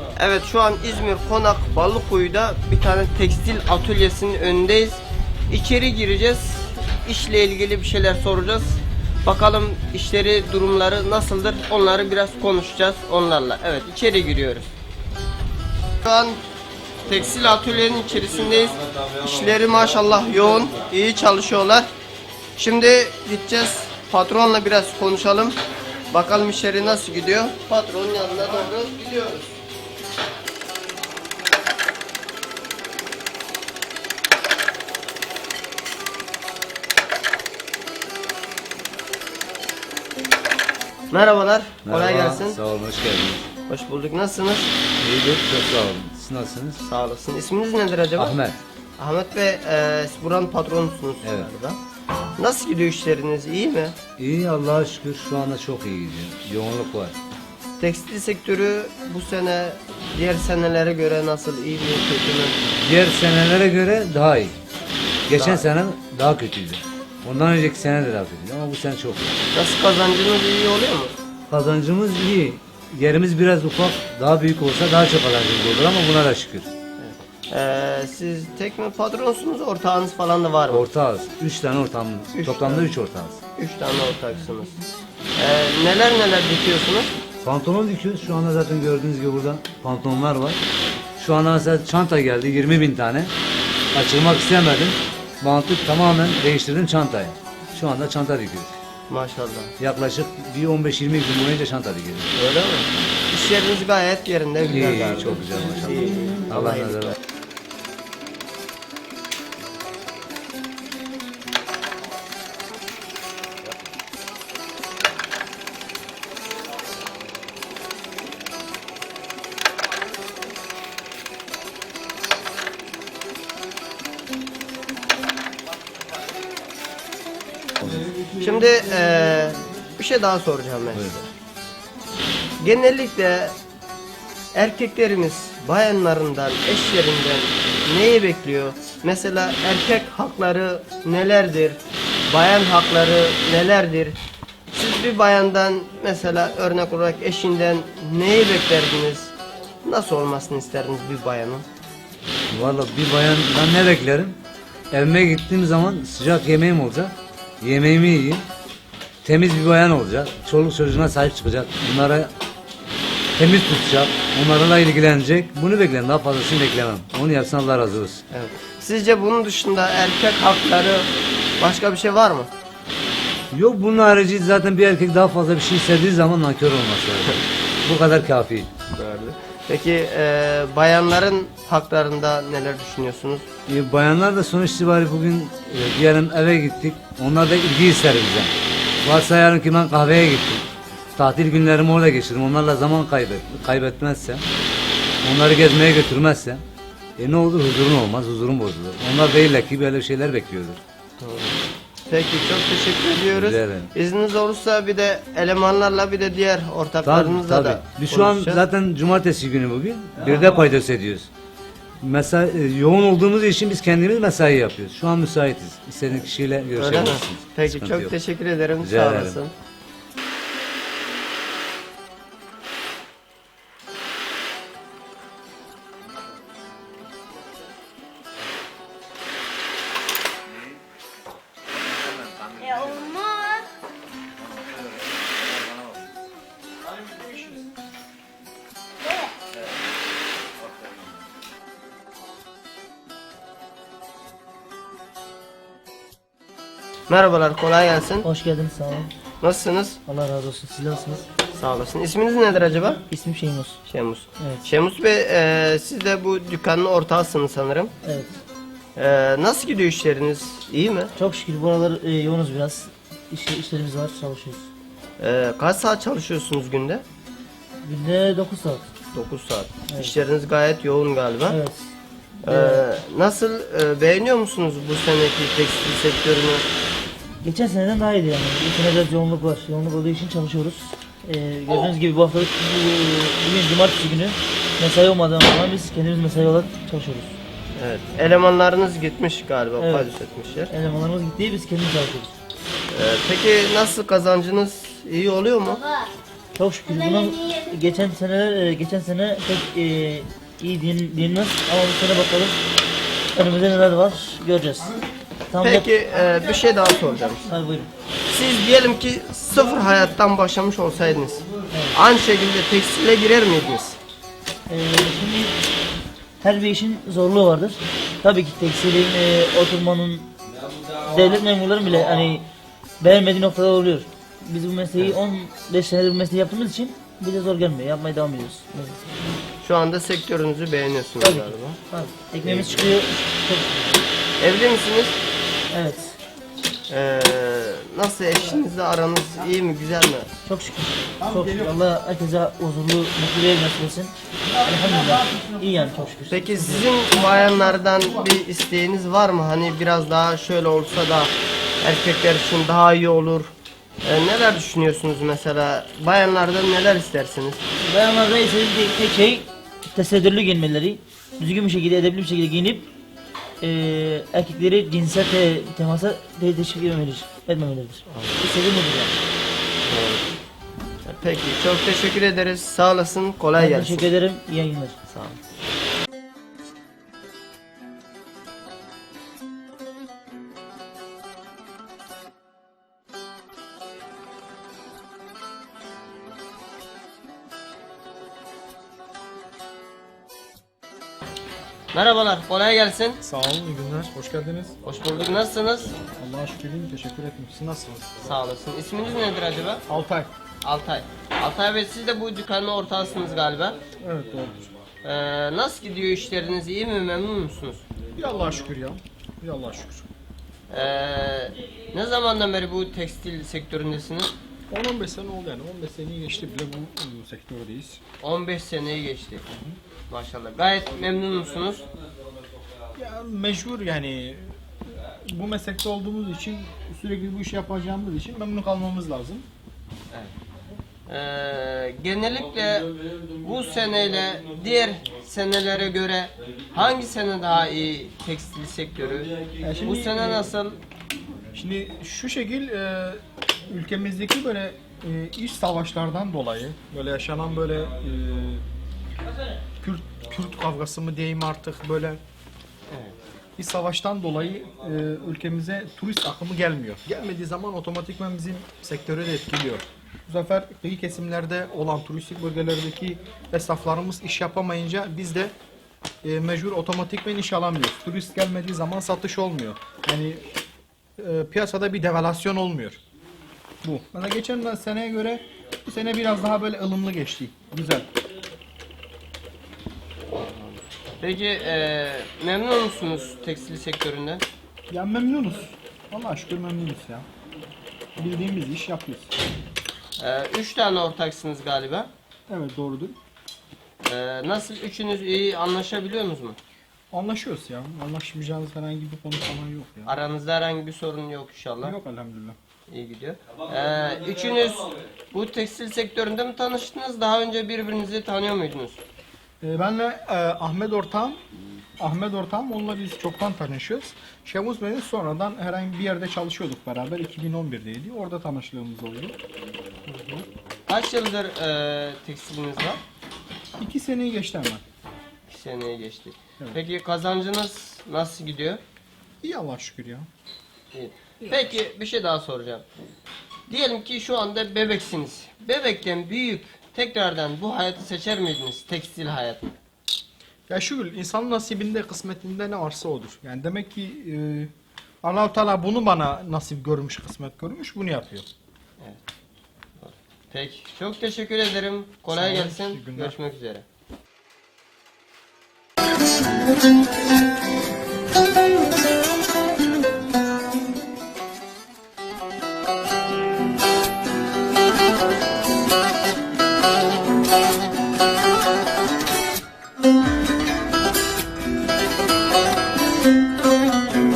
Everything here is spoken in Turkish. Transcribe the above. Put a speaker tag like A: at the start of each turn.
A: Evet, şu an İzmir Konak Balıkuyu'da bir tane tekstil atölyesinin önündeyiz. İçeri gireceğiz. İşle ilgili bir şeyler soracağız. Bakalım işleri, durumları nasıldır? Onları biraz konuşacağız onlarla. Evet, içeri giriyoruz. Şu an tekstil atölyenin içerisindeyiz. İşleri maşallah yoğun, iyi çalışıyorlar. Şimdi gideceğiz, patronla biraz konuşalım. Bakalım işleri nasıl gidiyor. Patronun yanına doğru gidiyoruz. Merhabalar, kolay
B: Merhaba,
A: gelsin.
B: sağ olun, hoş geldiniz.
A: Hoş bulduk, nasılsınız?
B: İyidir, çok sağ olun. Siz nasılsınız?
A: Sağ olasın. İsminiz nedir acaba?
B: Ahmet.
A: Ahmet Bey, siz buranın patronusunuz
B: Evet.
A: galiba. Nasıl gidiyor işleriniz, iyi mi?
B: İyi, Allah'a şükür şu anda çok iyi gidiyor. Yoğunluk var.
A: Tekstil sektörü bu sene diğer senelere göre nasıl, iyi mi, kötü mü?
B: Diğer senelere göre daha iyi. Geçen sene daha kötüydü. Ondan önceki sene de daha kötüydü ama bu sene çok iyi.
A: Nasıl, kazancınız iyi oluyor mu?
B: Kazancımız iyi. Yerimiz biraz ufak, daha büyük olsa daha çok kazancımız olur ama buna da şükür.
A: Siz tek mi patronsunuz, ortağınız falan da var mı?
B: Ortağız. 3 tane ortağımız.
A: Üç
B: Toplamda
A: tane.
B: 3 ortağız.
A: 3 tane ortaksınız. Neler dikiyorsunuz?
B: Pantolon dikiyoruz. Şu anda zaten gördüğünüz gibi burada pantolonlar var. Şu anda mesela çanta geldi 20.000 tane. Açılmak istemedim. Bantı tamamen değiştirdim çantayı. Şu anda çanta dikiyoruz.
A: Maşallah.
B: Yaklaşık bir 15-20 gün boyunca çanta dikiyoruz.
A: Öyle mi? İş yeriniz gayet yerinde, güzel
B: İyi,
A: galiba.
B: çok güzel maşallah.
A: İyi.
B: Allah
A: iyilik
B: nazar.
A: versin. Şimdi bir şey daha soracağım ben size. Genellikle erkeklerimiz bayanlarından, eşlerinden neyi bekliyor? Mesela erkek hakları nelerdir? Bayan hakları nelerdir? Siz bir bayandan, mesela örnek olarak eşinden neyi beklerdiniz? Nasıl olmasını isterdiniz bir bayanın?
B: Vallahi bir bayandan ne beklerim? Evime gittiğim zaman sıcak yemeğim olacak. Yemeğimi yiyeyim. Temiz bir bayan olacak. Çoluk çocuğuna sahip çıkacak. Bunlara temiz tutacak. Onlarla ilgilenecek. Bunu beklerim. Daha fazlasını beklemem. Onu yapsın, Allah razı olsun.
A: Evet. Sizce bunun dışında erkek hakları başka bir şey var mı?
B: Yok, bunun harici zaten bir erkek daha fazla bir şey istediği zaman nankör olması lazım. Bu kadar kafi.
A: Peki bayanların haklarında neler düşünüyorsunuz?
B: Bayanlar da sonuç itibariyle bugün diyelim eve gittik. Onlar da ilgi ister bizden. Varsayalım ki ben kahveye gittim. Tatil günlerimi orada geçirdim. Onlarla zaman kaybetmezsem, onları gezmeye götürmezsem, ne olur, huzurun olmaz, huzurun bozulur. Onlar değiller ki böyle şeyler bekliyordur.
A: Peki, çok teşekkür ediyoruz.
B: Rica ederim.
A: İzniniz olursa bir de elemanlarla, bir de diğer ortaklarımızla da
B: Biz şu an
A: konuşacağız.
B: zaten cumartesi günü bugün. Bir de paydos ediyoruz. Mesela yoğun olduğumuz için biz kendimiz mesai yapıyoruz. Şu an müsaitiz. İstediğiniz kişiyle
A: Öyle mi?
B: görüşebilirsiniz.
A: Peki,
B: Sıkıntı
A: çok
B: yok.
A: teşekkür ederim.
B: Rica
A: Sağ
B: ederim.
A: olasın.
C: Olmaz.
A: Merhabalar, kolay gelsin.
D: Hoş geldiniz, sağ olun.
A: Nasılsınız?
D: Allah razı olsun. Siz nasılsınız?
A: Sağ olasın. İsminiz nedir acaba?
D: İsmim Şeymus.
A: Şemus.
D: Evet.
A: Şemus Bey, siz de bu dükkanın ortağısınız sanırım.
D: Evet.
A: Nasıl gidiyor işleriniz? İyi mi?
D: Çok şükür buralar yoğunuz biraz. İşlerimiz var, çalışıyoruz.
A: Kaç saat çalışıyorsunuz günde?
D: Günde 9 saat.
A: 9 saat.
D: Evet.
A: İşleriniz gayet yoğun galiba.
D: Evet.
A: Nasıl, beğeniyor musunuz bu seneki tekstil sektörünü?
D: Geçen seneden daha iyiydi yani. Bu sene biraz yoğunluk var. Yoğunluk olduğu için çalışıyoruz. Gördüğünüz gibi bu haftalık bugün cumartesi günü mesai olmadan falan biz kendimiz mesai olarak çalışıyoruz.
A: Evet. Elemanlarınız gitmiş galiba,
D: Evet.
A: paydos etmişler.
D: Elemanlarımız gitti, biz kendimiz çalışıyoruz.
A: Peki nasıl, kazancınız iyi oluyor mu?
D: Çok şükür bunun geçen sene pek iyi dinmez ama bu sene bakalım önümüzde neler var göreceğiz. Tam
A: Peki bir şey daha soracağım.
D: Hadi buyurun.
A: Siz diyelim ki sıfır hayattan başlamış olsaydınız, aynı şekilde tekstile girer miydiniz?
D: Şimdi her bir işin zorluğu vardır. Tabii ki tekstilin, oturmanın, devlet memurların bile hani beğenmediği noktalar oluyor. Biz bu mesleği 15 senedir bu mesleği yaptığımız için bize zor gelmiyor. Yapmaya devam ediyoruz.
A: Şu anda sektörünüzü beğeniyorsunuz
D: Tabii ki.
A: galiba.
D: Tabii. Ekmeğimiz çıkıyor. Çok şükür.
A: Evli misiniz?
D: Evet.
A: Nasıl, eşinizle aranız iyi mi, güzel mi?
D: Çok şükür. Çok şükür. Allah herkese huzurlu, mutlu bir ev nasip etsin. Elhamdülillah. İyi yani çok şükür.
A: Peki sizin bayanlardan bir isteğiniz var mı? Hani biraz daha şöyle olsa da erkekler için daha iyi olur. Neler düşünüyorsunuz mesela? Bayanlardan neler istersiniz?
D: Bayanlarda istediğim tek şey tesettürlü giyinmeleri. Düzgün bir şekilde, edepli bir şekilde giyinip erkekleri cinsel temasa teşvik etmemeleridir. İstediğim budur yani.
A: Peki, çok teşekkür ederiz. Sağ olasın. Kolay
D: Ben
A: gelsin.
D: teşekkür ederim. İyi yayınlar.
A: Sağ olun. Merhabalar, kolay gelsin.
C: Sağ olun, iyi günler. Hoş geldiniz.
A: Hoş bulduk, nasılsınız?
C: Allah'a şükür iyiyim, teşekkür ederim. Siz nasılsınız?
A: Sağ olasın. İsminiz nedir acaba?
C: Altay.
A: Altay. Altay Bey, siz de bu dükkanın ortağısınız galiba.
C: Evet, doğrudur.
A: Nasıl gidiyor işleriniz? İyi mi? Memnun musunuz?
C: İyi Allah'a şükür ya. İyi Allah'a şükür.
A: Ne zamandan beri bu tekstil sektöründesiniz?
C: 10-15 sene oldu yani. 15 seneyi geçti bile bu sektördeyiz.
A: 15 seneyi geçti. Maşallah. Gayet memnun musunuz?
C: Ya mecbur yani bu meslekte olduğumuz için, sürekli bu işi yapacağımız için memnun kalmamız lazım.
A: Genellikle bu seneyle diğer senelere göre hangi sene daha iyi tekstil sektörü?
C: Ya şimdi,
A: Bu sene nasıl?
C: Şimdi şu şekil ülkemizdeki böyle iç savaşlardan dolayı böyle yaşanan böyle Kürt kavgası mı diyeyim artık böyle bir savaştan dolayı ülkemize turist akımı gelmiyor. Gelmediği zaman otomatikman bizim sektörü de etkiliyor. Bu sefer kıyı kesimlerde olan turistik bölgelerdeki esnaflarımız iş yapamayınca biz de mecbur otomatikman iş alamıyoruz. Turist gelmediği zaman satış olmuyor. Yani piyasada bir devalüasyon olmuyor. Bu. Mesela geçen seneye göre bu sene biraz daha böyle ılımlı geçti. Güzel.
A: Peki memnun musunuz tekstil sektöründen?
C: Ya memnunuz. Allah'a şükür memnunuz ya. Bildiğimiz iş yapıyoruz.
A: 3 tane ortaksınız galiba.
C: Evet doğrudur.
A: Nasıl, üçünüz iyi anlaşabiliyor musunuz mu?
C: Anlaşıyoruz ya. Anlaşmayacağımız herhangi bir konu falan yok ya.
A: Aranızda herhangi bir sorun yok inşallah.
C: Yok elhamdülillah.
A: İyi gidiyor. Üçünüz bu tekstil sektöründe mi tanıştınız? Daha önce birbirinizi tanıyor muydunuz?
C: Benle Ahmet Ortağım, onunla biz çoktan tanışıyoruz. Şemus Bey'le sonradan herhangi bir yerde çalışıyorduk beraber. 2011'deydi. Orada tanışlığımız oldu.
A: Kaç yıldır tekstiliniz var?
C: 2 seneyi geçti hemen.
A: 2 seneye geçti.
C: Evet.
A: Peki kazancınız nasıl gidiyor?
C: İyi Allah'a şükür ya.
A: İyi. Peki bir şey daha soracağım. Diyelim ki şu anda bebeksiniz. Bebekten büyüyüp tekrardan bu hayatı seçer miydiniz? Tekstil hayatı.
C: Ya şükür insanın nasibinde, kısmetinde ne varsa odur. Yani demek ki Allah-u Teala bunu bana nasip görmüş, kısmet görmüş, bunu yapıyor.
A: Peki. Çok teşekkür ederim. Kolay
C: Sağ olun,
A: gelsin.
C: iyi günler.
A: Görüşmek üzere.